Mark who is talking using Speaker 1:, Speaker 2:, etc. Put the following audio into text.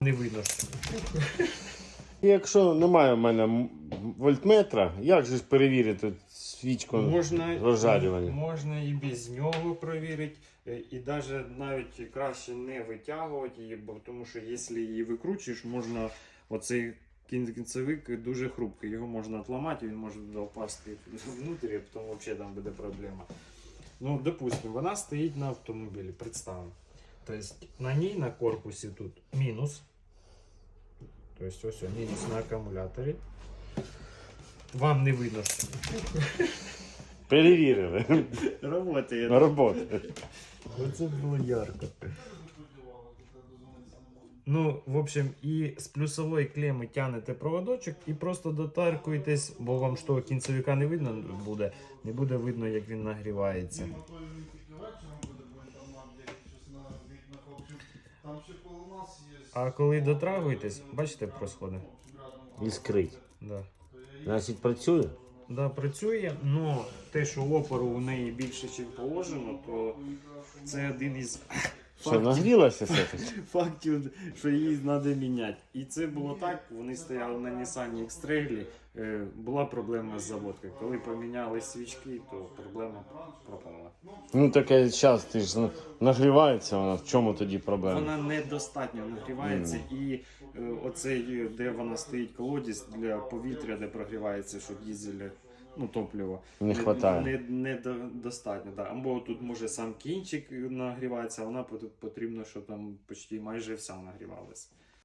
Speaker 1: Не видно.
Speaker 2: Якщо немає в мене вольтметра, як же ж перевірити свічку розжарювання?
Speaker 1: Можна і без нього перевірити, і навіть краще не витягувати її, бо тому що якщо її викручуєш, можна оцей кінцевик дуже хрупкий, його можна відламати, він може впасти внутрі, а потім взагалі там буде проблема. Ну, допустимо, вона стоїть на автомобілі, представимо. Тобто на ній, на корпусі тут мінус. Тобто ось мінус на акумуляторі. Вам не видно, що
Speaker 2: Перевірили.
Speaker 1: Работає.
Speaker 2: Роботи.
Speaker 1: Оце було ярко. Ну, в общем, і з плюсової клеми тягнете проводочок і просто дотаркуєтесь, бо вам ж того кінцевика не видно буде, не буде видно, як він нагрівається. А коли дотрагуєтесь, бачите, як происходить?
Speaker 2: Іскрить.
Speaker 1: Да.
Speaker 2: Значить, працює?
Speaker 1: Да, працює, але те, що опору у неї більше, ніж положено, то це один із
Speaker 2: Що, нагрілося все-таки?
Speaker 1: фактів, що її треба міняти. І це було так, вони стояли на Nissan X-Trail, була проблема з заводкою. Коли поміняли свічки, то проблема пропала.
Speaker 2: Ну таке час, ти ж нагрівається вона, в чому тоді проблема?
Speaker 1: Вона недостатньо нагрівається і оцей, де вона стоїть колодязь для повітря, де прогрівається, що дизель, ну топливо,
Speaker 2: Не хватає.
Speaker 1: Недостатньо. Да. Або тут може сам кінчик нагрівається, а вона потрібно, щоб там почти майже вся нагрівалася.